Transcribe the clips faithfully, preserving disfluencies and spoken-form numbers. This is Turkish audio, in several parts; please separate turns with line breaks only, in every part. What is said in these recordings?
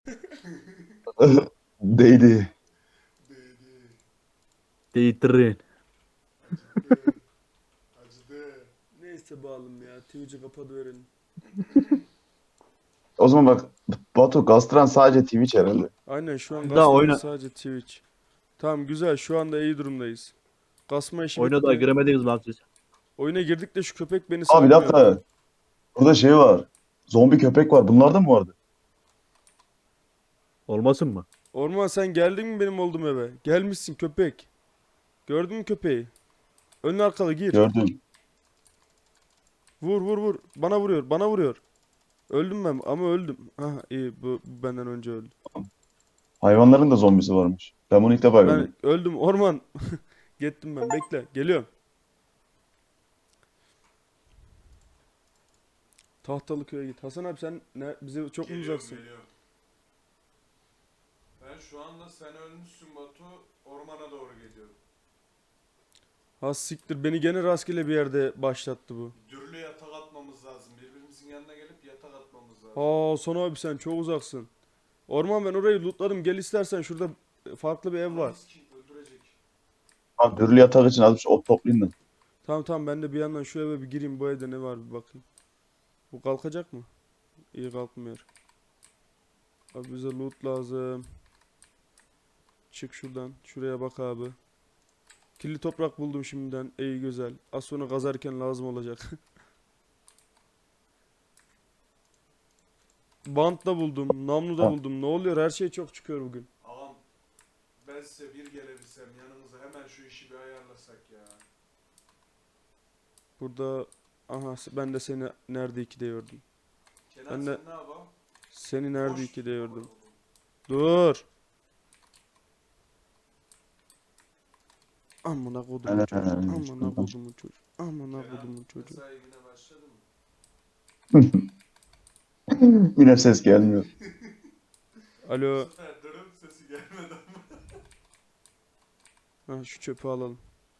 Değdi.
Değdi.
Değittirin.
Acıdı. Acıdı. Neyse bağlım ya. Twitch'i kapatıverelim.
O zaman bak, Batu Gastran sadece Twitch herhalde.
Aynen şu an
Daha
kasmamız
oyna
sadece Twitch. Tamam güzel şu anda iyi durumdayız. Kasma işi
oyuna daha
bitti.
giremediniz lan siz.
Oyuna girdik de şu köpek beni
Aa, bir
salmıyor.
dakika. Burada şey var. Zombi köpek var. Bunlar da mı vardı?
Olmasın mı?
Orman sen geldin mi benim olduğum eve? Gelmişsin köpek. Gördün mü köpeği? Ön arkalı gir.
Gördüm.
Vur vur vur. Bana vuruyor bana vuruyor. Öldüm ben ama öldüm. Ha iyi bu, bu benden önce öldü.
Hayvanların da zombisi varmış. Ben bunu ilk defa
Ben
görüyorum.
öldüm orman. Gittim ben bekle geliyorum. Tahtalıköy'e git. Hasan abi sen ne, bize çok mu
Geliyorum
uzaksın?
geliyorum. Ben şu anda sen ölmüşsün Batu. Ormana doğru gidiyorum.
Ha siktir beni gene rastgele bir yerde başlattı bu.
Dürlü yatak atmamız lazım. Birbirimizin yanına gelip yatak atmamız lazım.
Ha son abi sen çok uzaksın. Orman ben orayı lootladım. Gel istersen şurada farklı bir ev var.
Ananı sikeyim, öldürecek.
Abi dürlü yatak için azıcık ot toplayayım da.
Tamam tamam ben de bir yandan şu eve bir gireyim. Bu evde ne var bir bakayım. Bu kalkacak mı? İyi kalkmıyor. Abi bize loot lazım. Çık şuradan. Şuraya bak abi. Kirli toprak buldum şimdiden. İyi güzel. Az sonra kazarken lazım olacak. Bant da buldum. Namlu da
Ha,
buldum. Ne oluyor? Her şey çok çıkıyor bugün.
Ağam ben size bir gelebilsem yanınıza hemen şu işi bir ayarlasak ya.
Burada aha ben de seni nerede iki de gördüm.
Kenan
Ben
sen
de
ne yapalım?
seni nerede
Boş
iki de
tutma
gördüm.
bunu.
Dur. Amına kodumun çocuğu.
ee,
Amına kodumun çocuğu. Amına kodumun
Kenan
çocuğu.
mesai güne başladı mı?
Yine ses gelmiyor.
Bu
Alo.
sefer dırım sesi gelmedi ama.
Ha, şu çöpü alalım.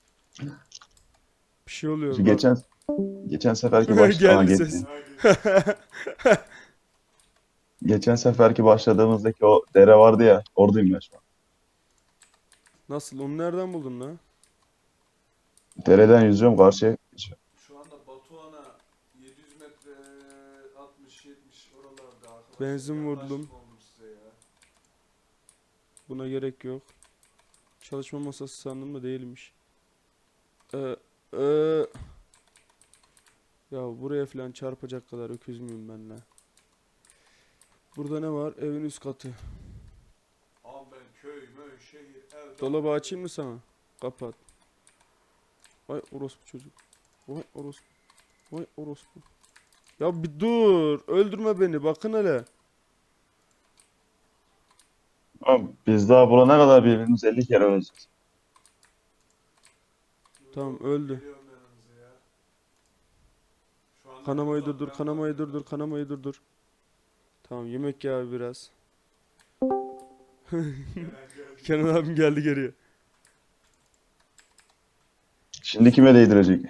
Bir şey oluyor
Şu
bak.
geçen geçen seferki baş Aa,
Geldi
geçti.
ses.
Ha, geçti.
Geçen seferki başladığımızdaki o dere vardı ya. Oradayım ben şu an.
Nasıl? Onu nereden buldun lan?
Dereden yüzüyorum karşıya.
Şu anda Batuhan'a yedi yüz metre altmış yetmiş oralarda arkadaşlar.
Benzin
Yaklaşık
vurdum.
oldum size ya.
Buna gerek yok. Çalışma masası sandım da değilmiş. Ee, ee. Ya buraya falan çarpacak kadar öküz müyüm ben la? Burada ne var? Evin üst katı.
Ama ben köy, möy, şehir, ev...
Dolabı açayım mı sana? Kapat. Vay orospu çocuk. Vay orospu. Vay orospu. Ya bir dur. Öldürme beni. Bakın hele.
Abi, biz daha bulana kadar birbirimizi elli kere öleceğiz.
Tamam öldü.
Geliyorum yanınıza ya. Şu anda
Kanamayı
uzak,
durdur.
ben
Kanamayı
bakıyorum.
durdur. Kanamayı durdur. Tamam yemek ya biraz.
Kenan geldi.
Kenan abim geldi geriye.
Şimdi kime değdirecek?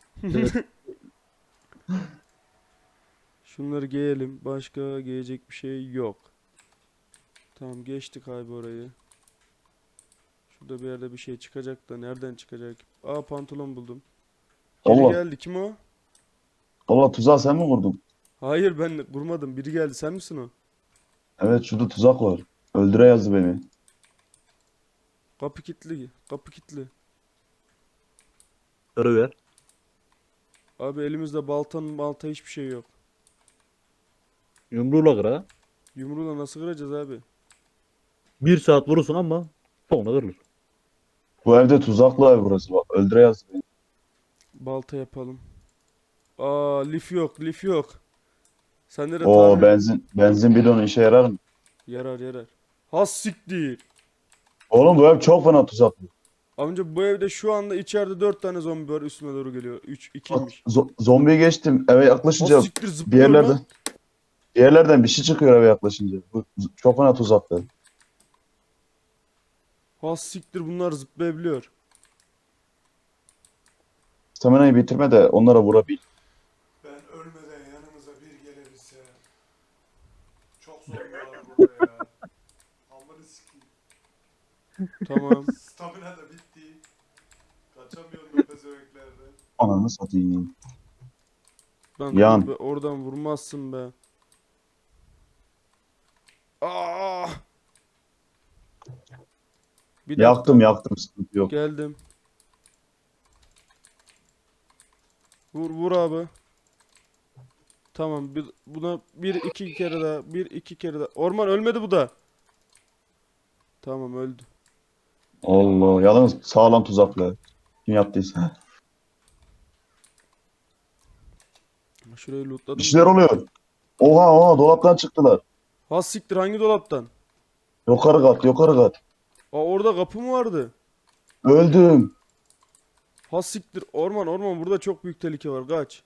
Şunları giyelim. Başka giyecek bir şey yok. Tamam geçtik abi orayı. Şurada bir yerde bir şey çıkacak da nereden çıkacak? Aa pantolon buldum. Geri
Allah.
geldi. Kim o?
Allah, tuzağı sen mi vurdun?
Hayır ben vurmadım. Biri geldi. Sen misin o?
Evet, şurada tuzak var. Öldüre yazdı beni.
Kapı kilitli. Kapı kilitli.
Kırıver.
Abi elimizde baltanın balta hiçbir şey yok.
Yumruğuyla kır ha.
Yumruğla nasıl kıracağız abi?
Bir saat vurursun ama sonra kırılır.
Bu evde tuzaklı ev burası bak. Öldüre yazdı beni.
Balta yapalım. Aa lif yok. Lif yok. Sende de
Oo,
tamir
benzin benzin bidonu işe yarar mı?
yarar yarar. Has siktir.
Oğlum, bu ev çok fena tuzaklı.
Amca bu evde şu anda içeride dört tane zombi var üstüme doğru geliyor. Üç,
Bak,
ikiymiş.
zo- zombiye geçtim. Eve
Has
yaklaşınca
siktir
bir
zıplıyor
yerlerden
lan.
bir yerlerden bir şey çıkıyor eve yaklaşınca. Bu z- çok fena tuzaklı.
Has siktir bunlar zıplayabiliyor.
Stamina'yı bitirme de onlara vurabil.
Ben ölmeden yanımıza bir gelebilse. Çok zombi var burada ya.
Tamam.
Stamina da bitti. Kaçamıyorum bu pezevenklerden.
Ananı satayım.
Lan
Yan.
dur be, oradan vurmazsın be. Aa! Bir dakika.
Yaktım yaktım, sıkıntı yok.
Geldim. Vur vur abi. Tamam, bir, buna bir iki kere daha, bir iki kere daha. Orman ölmedi bu da. Tamam, öldü.
Allah, yalnız sağlam tuzaklı. Kim yaptıysa.
Şurayı
Bir
lootladım
şeyler
da.
oluyor. Oha oha, dolaptan çıktılar.
Ha siktir, hangi dolaptan?
Yukarı kat, yukarı kat.
Aa, orada kapı mı vardı?
Öldüm.
Ha siktir, orman orman, burada çok büyük tehlike var, kaç.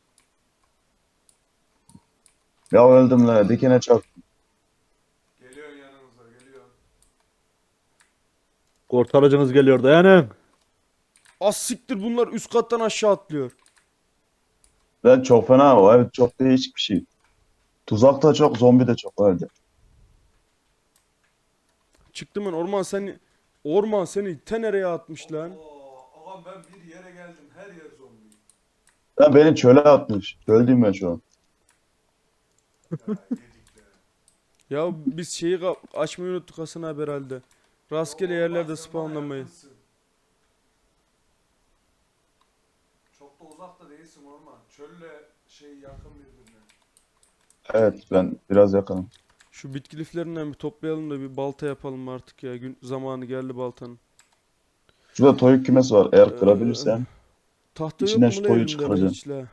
Ya öldüm la, dikene çarp.
Geliyor yanınıza geliyor.
Kurtarıcınız geliyor, dayanın.
Az siktir, bunlar üst kattan aşağı atlıyor.
Ben çok fena, o ev çok değişik bir şey. Tuzak da çok, zombi de çok öldü.
Çıktım ben, orman seni orman seni te nereye atmış lan?
Oo, ağam ben bir yere geldim. Her yer zombi.
Ben beni çöle atmış. Öldüm ben şu an.
Ya yedik de.
Ya biz şeyi ka- açmayı unuttuk Hasan abi herhalde. Rastgele
Ya
yerlerde
olmaz, sen bana
spawnlamayı.
yakınsın. Çok da uzakta değilsin orman. Çölle şey yakın birbirine.
Evet, ben biraz yakınım.
Şu bitki liflerinden bir toplayalım da bir balta yapalım artık ya. Gün zamanı geldi baltanın.
Şurada toyuk kümesi var. Eğer
Ee,
kırabilirsen
Tahta yok
içinden
mu
şu
la
toyu
elimde la
çıkaracaksın.
hiç la?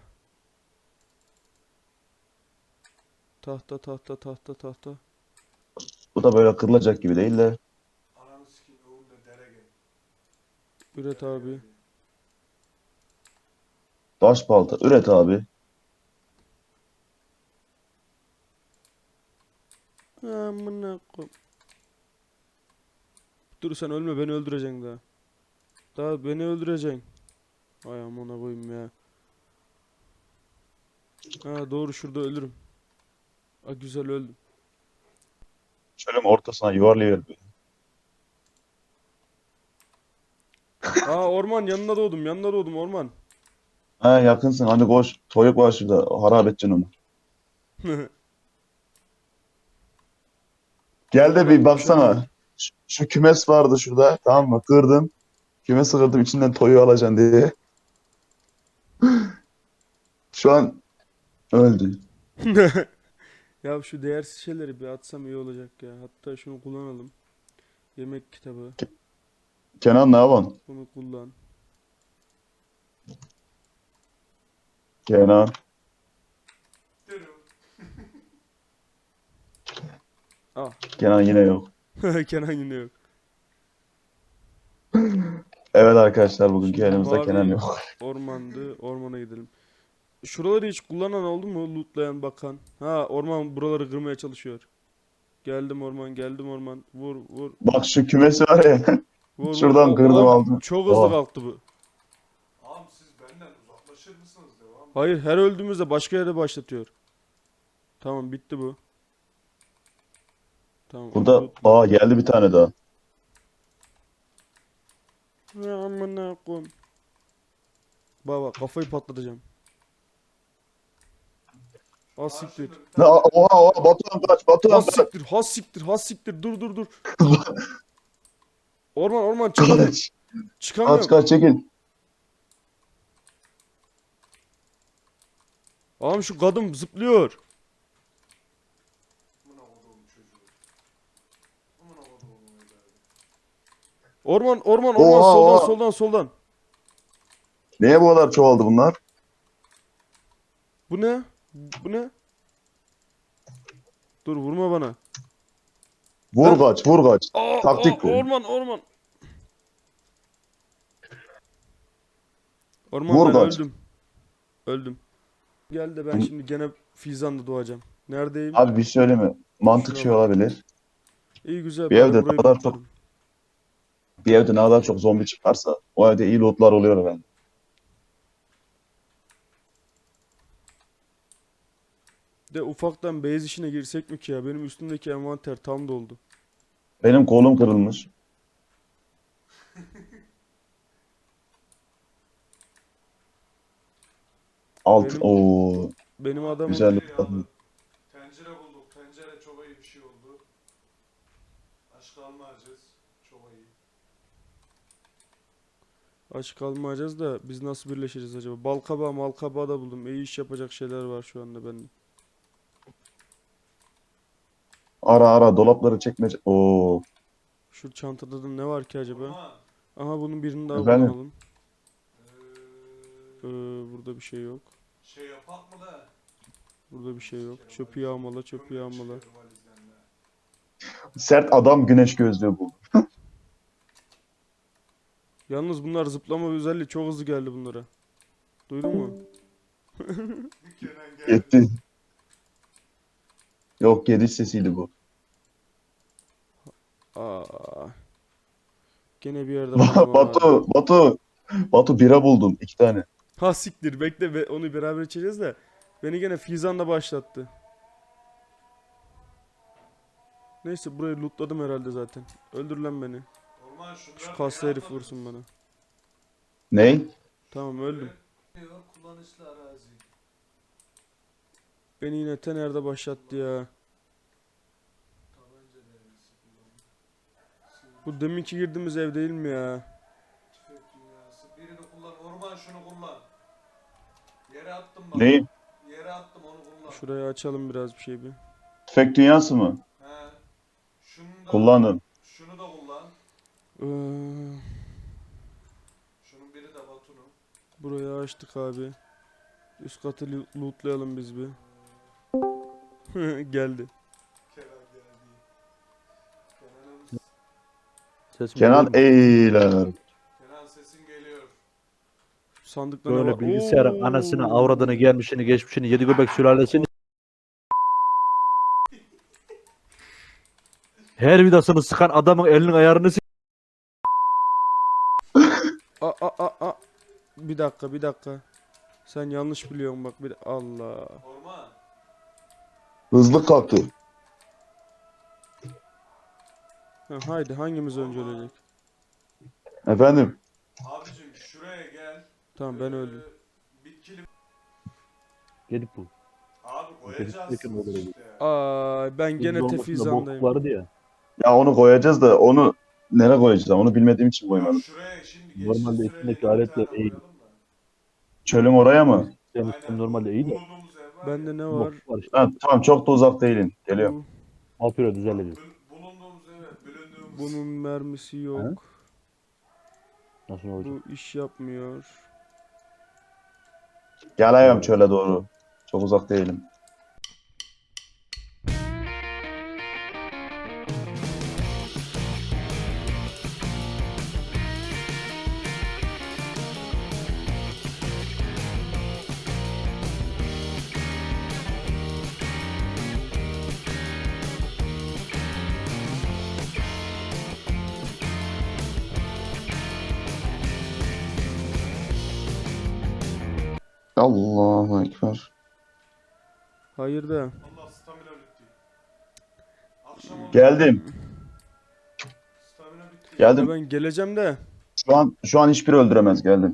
Tahta tahta tahta tahta.
Bu da böyle kırılacak gibi değil de.
Ananı sikeyim önünde dere gel.
Üret
Dere
abi.
geldi.
Taş balta. Üret abi.
Amına koy. Dur sen ölme, beni öldüreceksin daha. Daha beni öldüreceksin. Ay amına koyayım ya. Ha doğru, şurada ölürüm. Ha güzel öldüm.
Çölün ortasına yuvarlayıver.
Aa orman, yanına doğdum yanına doğdum orman.
Ha, yakınsın. Hadi koş. Toyuk var şurada. Harap edeceksin onu. Gel de bir baksana. Şu, şu kümes vardı şurada. Tamam mı? Kırdım. Kümesi kırdım. İçinden toyu alacaksın diye. Şu an öldü.
Ya şu değersiz şeyleri bir atsam iyi olacak ya. Hatta şunu kullanalım. Yemek kitabı.
Kenan ne yapıyorsun?
Bunu kullan.
Kenan.
Dürüm.
Ah.
Kenan yine yok.
Kenan yine yok.
Evet arkadaşlar, bugünkü
Şimdi
elimizde
mavi
Kenan yok.
ormandı. Ormana gidelim. Şuraları hiç kullanan oldu mu? Lootlayan, bakan. Ha orman buraları kırmaya çalışıyor. Geldim orman, geldim orman. Vur vur
Bak şu kümesi var ya.
vur vur.
Şuradan
O,
kırdım
oğlum,
aldım.
çok hızlı
Oha.
kalktı bu.
Ağam siz benden uzaklaşır mısınız devam?
Hayır, her öldüğümüzde başka yere başlatıyor. Tamam, bitti bu. Tamam.
Burada
lootla.
aa geldi bir tane daha.
Ya amına koyayım. Baba kafayı patlatacağım. Az siktir.
Karşımda bir
Ne,
tane-
oha oha, Batuhan kaç, Batuhan
Has
kaç.
siktir, has siktir, has siktir. Dur dur dur. Orman orman, çıkamıyorum.
Kaç. Kaç
Çıkamıyorum.
kaç, çekil.
Ağam şu kadın zıplıyor.
Amına koduğum çocuğu. Amına koduğum evladı.
Orman orman orman,
Oha,
soldan
oha.
soldan soldan.
Niye bu kadar çoğaldı bunlar?
Bu ne? Bu ne? Dur vurma bana.
Vur
Lan-
kaç, vur kaç.
Aa,
Taktik
aa,
bu.
orman orman. Orman
Vur
ben
kaç.
öldüm. Öldüm. Gel de ben şimdi gene Fizan'da doğacağım. Neredeyim?
Abi bir şey söyleyeyim mi? Mantık
Şuna
şey
bak.
olabilir.
İyi güzel,
Bir
bari
evde
burayı
kadar çok-
lootladım.
Bir evde ne kadar çok zombi çıkarsa o evde iyi lootlar oluyor ben.
De ufaktan base işine girsek mi ki ya? Benim üstümdeki envanter tam doldu.
Benim kolum kırılmış. Alt.
Benim-
Oo.
Benim adamın
Güzel.
Tencere aldım. Tencere bulduk. Tencere çok iyi bir şey oldu. Aç kalmayacağız. Çok iyi.
aç kalmayacağız da biz nasıl birleşeceğiz acaba? Balkabağı malkabağı da buldum. İyi iş yapacak şeyler var şu anda bende.
Ara ara dolapları çekmece. Oo.
Şu çantada da ne var ki acaba?
Orman.
Aha bunun birini daha
Efendim?
kullanalım.
Ee,
Ee, burada bir şey yok.
şey yapak mı da?
Burada bir şey yok. Çöpü yağmala, çöpü
Kömür
yağmala.
çıkıyor valizden de.
Sert adam güneş gözlüğü bu.
Yalnız bunlar zıplama özelliği çok hızlı geldi bunlara. Duydun mu?
Kenan geldi.
Yetti. Yok geliş sesiydi bu.
Aa. Gene bir yerde bakmam lazım.
Batu, Batu. Batu bira buldum. iki tane.
Ha siktir bekle be, onu beraber içeceğiz de. Beni gene Fizan da başlattı. Neyse burayı lootladım herhalde zaten. Öldür lan beni.
Orman şunlar
Şu
da
kaslı herif
yapmadınız.
vursun bana.
Ney?
Tamam öldüm.
Diyor, kullanışlı arazi.
Beni yine Tener'de başlattı ya.
Tabanca devresi kullan.
Bu deminki girdiğimiz ev değil mi ya?
Tüfek dünyası. Birini kullan. Orman şunu kullan. Yere attım bak.
Neyi?
Yere attım onu kullan.
Şurayı açalım biraz bir şey bir.
Tüfek dünyası mı?
He. Şunu da
Kullanın.
Şunu da kullan.
Ee,
Şunun biri de Batu'nun.
burayı açtık abi. Üst katı lo- lootlayalım biz bir. Geldi.
Kenan geldi. Kenan'ın
Sesim
Kenan
geliyor mu?
eyler.
Kenan sesin geliyor.
Sandıkta ne
Böyle
var?
bilgisayarın anasını,
Oo.
avradını, gelmişini, geçmişini, yedi göbek sülalesini her vidasını sıkan adamın elinin ayarını s-
Aa, aa, aa, aa. Bir dakika bir dakika. Sen yanlış biliyorsun bak bir Allah.
Orman.
Hızlı kalktı.
Ha, haydi hangimiz önce ölecek?
Efendim?
Abicim şuraya gel.
Tamam ben
Ee,
öldüm.
Bitkili.
Gelip bu.
Abi
Yakın
koyacaksınız
olur
işte.
Aa ben gene
Hızlı olmasında bokluk
tefizandayım.
vardı ya.
Ya onu koyacağız da onu nereye koyacağız? Onu bilmediğim için
Ya
koymadım.
şuraya şimdi
Normalde
geçiş süreli
içindeki
bir
aletle
tane
değil.
koyalım da.
Çölün oraya mı?
Senin
Aynen.
normalde iyi de.
Bulunduğumuz ev var
Bende
ya.
ne var?
Bokluk var işte.
Ha, tamam çok da uzak değilim. Geliyorum.
Bu,
Altı euro düzenledi.
Bul- Bulunduğumuz eve, bölündüğümüz.
bunun mermisi yok.
Nasıl olacak?
Bu iş yapmıyor.
Geliyorum çöle doğru. Çok uzak değilim. Allahu Ekber.
Hayır da.
Allah stamina bitti. Akşam oldu.
Geldim.
Stamina bitti.
Ya
Geldim.
ben geleceğim de.
Şu an şu an hiçbiri öldüremez. Geldim.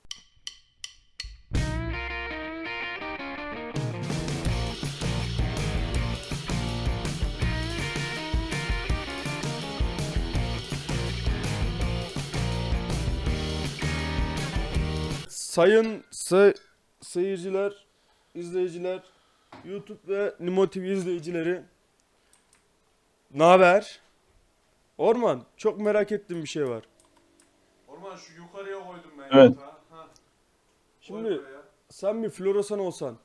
Sayın say seyirciler, izleyiciler, YouTube ve Nimo T V izleyicileri. Ne haber? Orman, çok merak ettiğim bir şey var.
Orman şu yukarıya koydum ben
Evet.
yatağı. Ha.
Şimdi
Koy buraya.
sen bir floresan olsan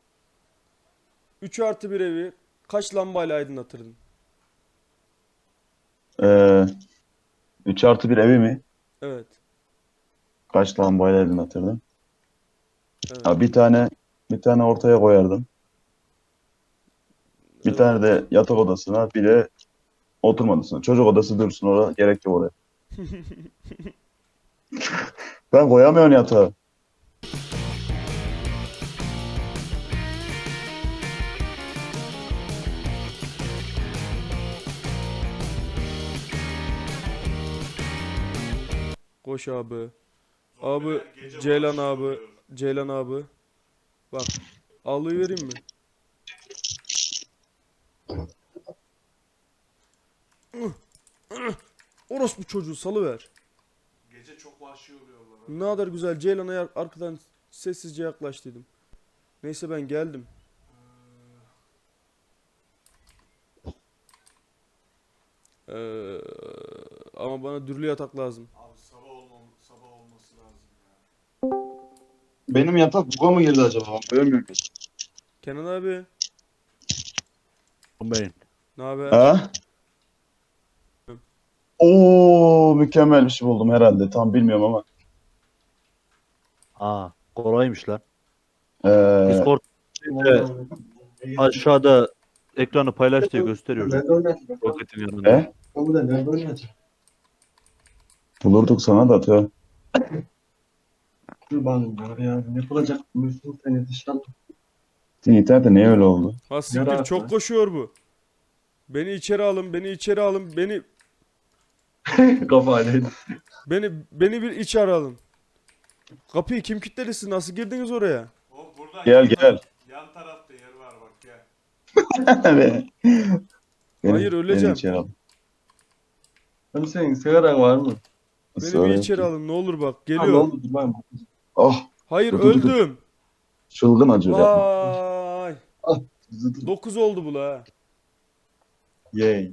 üç artı bir evi kaç lambayla aydınlatırdın?
Ee, üç artı bir evi mi?
Evet.
Kaç lambayla aydınlatırdım?
Evet.
Ha, bir tane bir tane ortaya koyardım. Bir
Evet.
tane de yatak odasına, bir de oturma odasına. Çocuk odası dursun orada. Gerek yok oraya. Ben koyamıyorum yatağı.
Koş abi.
Zombiler
Abi,
gece
Ceylan
vahşi
abi.
oluyor.
Ceylan abi. Bak. Ağlıyı vereyim mi? Orospu çocuğu salıver.
Gece çok vahşi oluyorlar.
Ne kadar güzel Ceylan'a ya- arkadan sessizce yaklaştıydım. Neyse ben geldim. Ee, ama bana dürlü yatak lazım.
Abi sabah olmam sabah olması lazım ya.
Benim yatak buga mı girdi acaba? Ben görmüyorum.
Kenan abi,
Beyin.
ne haber?
Ha? Oo, mükemmel bir şey buldum herhalde. Tam bilmiyorum ama.
Aa, kolaymış lan.
Ee,
Discord aşağıda ekranı paylaş diye gösteriyor. Roketin yanında.
e? Bulurduk sana da tö.
Kurbanım var ya. Ne yapılacak? Müslüm seni dışarı.
Senin internette niye öyle oldu?
Ha siktir
Yara
çok
atma.
koşuyor bu. Beni içeri alın, beni içeri alın, beni
Kafayla.
beni beni bir içeri alın. Kapıyı kim kilitledi siz? Nasıl girdiniz oraya?
O buradan
Gel,
yan
gel.
taraf- Yan tarafta yer var bak gel.
Beni-
Hayır,
beni
öleceğim.
içeri al.
Hani senin sigaran var mı?
Beni
Sonra
bir içeri
ki-
alın ne olur bak.
Ha, ne
Geliyor.
oldu? Dur ben bakacağım.
Oh,
Hayır
Dur, dur, dur, dur.
öldüm.
çılgın acıyor yapma.
Vay. Dokuz oldu bu la. ha.
Yay.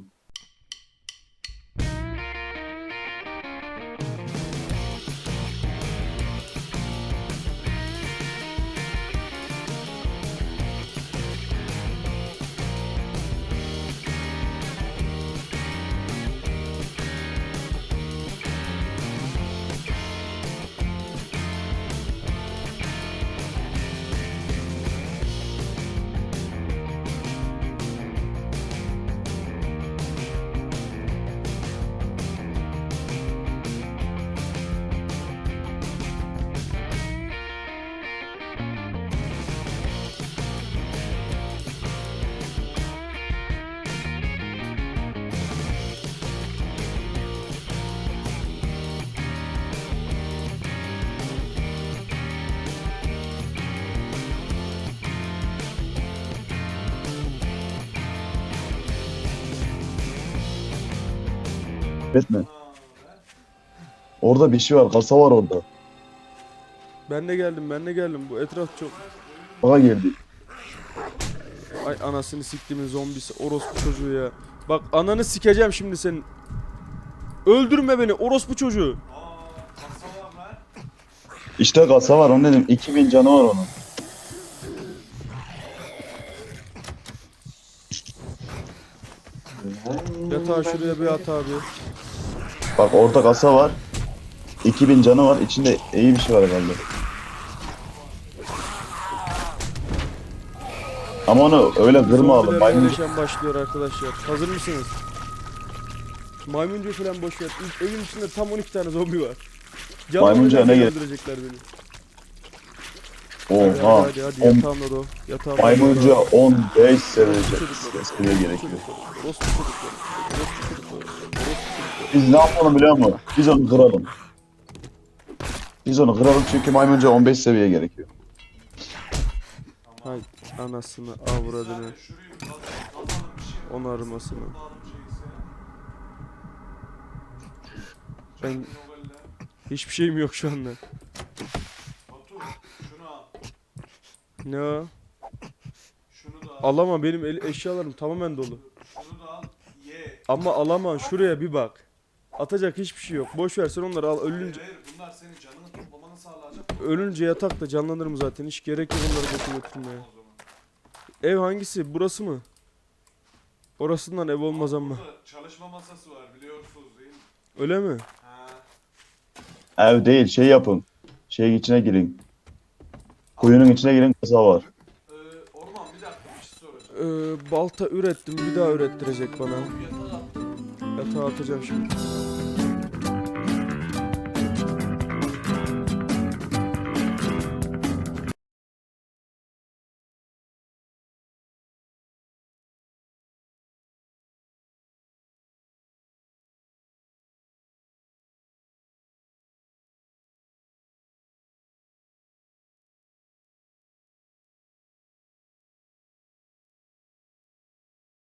Etme. Orada bir şey var. Kasa var orada.
Ben de geldim ben de geldim. Bu etraf çok...
Bana geldi.
Ay anasını siktimin zombisi. Orospu çocuğu ya. Bak ananı sikeceğim şimdi senin. Öldürme beni orospu çocuğu.
Aa kasa var lan.
İşte kasa var. Onun dedim. iki bin canı var onun.
Yatağı şuraya bir at abi.
Bak orada kasa var. iki bin canı var. İçinde iyi bir şey var herhalde. Ama onu öyle kırma alın.
Zombiler
Maymun.
yerleşen başlıyor arkadaşlar. Hazır mısınız? Maymuncu falan boş ver. İlk evin içinde tam on iki tane zombi var.
Maymuncuya ne gerek?
öldürecekler beni. Hadi
Oha.
hadi hadi, hadi
On-
yatağımda da o. Yatağımda
Maymunca
da o.
on beş seviye
Çocuklar,
seviye gerekiyor.
çocuklar, orospu çocuklar, orospu çocuklar, orospu çocuklar.
Biz ne yapalım biliyor musun? Biz onu kıralım. Biz onu kıralım çünkü maymunca on beş seviye gerekiyor.
Hay anasını avradını,
Zaten şurayı kaz- kazalım bir şey.
on armasını.
Kulağım şeyse.
Ben
Noveller.
hiçbir şeyim yok şu anda.
Batu şunu al.
Ne o?
Şunu da al.
Alamam benim el eşyalarım tamamen dolu.
Şunu da al. Ye.
Ama alamam şuraya bir bak. Atacak hiçbir şey yok. Boş ver sen onları al
Hayır
ölünce.
hayır bunlar senin canını toplamanı sağlayacak.
Ölünce yatakta canlanırım zaten. Hiç gerek yok onları götür götürmeye.
O zaman.
Ev hangisi? Burası mı? Orasından ev olmaz ama.
Burada çalışma masası var biliyorsunuz değil mi?
Öyle mi?
Ha.
Ev değil şey yapın. Şeyin içine girin. Kuyunun içine girin kasa var.
Ee, Orman bir dakika bir şey soracağım.
Ee, balta ürettim. Bir daha ürettirecek bana.
Yatağı attım.
Yatağa atacağım şimdi.